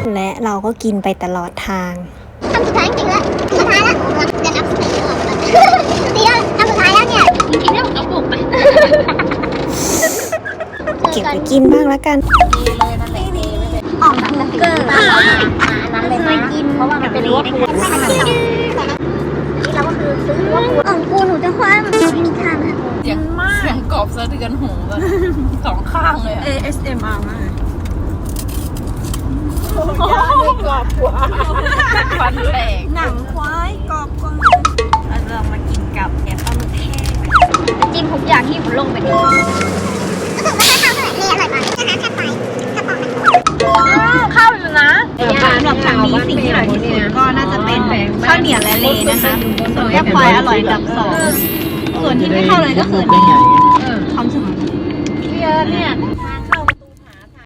และเราก็กินไปตลอดทางทำสุดท้ายจริงแล้วสุดท้ายแล้วเดี๋ยวนับสุดท้ายแล้วดีแล้วทำสุดท้ายแล้วเนี่ยกินได้หมดกระปุกไปเก็บไปกินบ้างแล้วกันออกแบบเกอร์นั้นเลยไม่กินเพราะว่ามันเป็นลิเวอร์พูลนี่เราก็คือซื้อลิเวอร์พูลอ่องกูหนูจะคว้ามันไม่มีทางค่ะเสียงกรอบสะเทือนหูแบบสองข้างเลย ASMR มากกรอบกว่าฟันแตกหนังควายกรอบกว่าเราจะมากินกับแกงปลาหมึกแห้งจิ้มทุกอย่างที่ผมลงไปดิก็ถือว่าข้าวเท่าไหร่เลยอร่อยมากนะคะแค่ไปกระป๋องข้าวอยู่นะสำหรับครั้งนี้สิ่งที่อร่อยที่สุดก็น่าจะเป็นข้าวเหนียวและเลนะคะส่วนแกงควายอร่อยอันดับ2ส่วนที่ไม่เข้าเลยก็คือนี่ความสมเยอะเนี่ย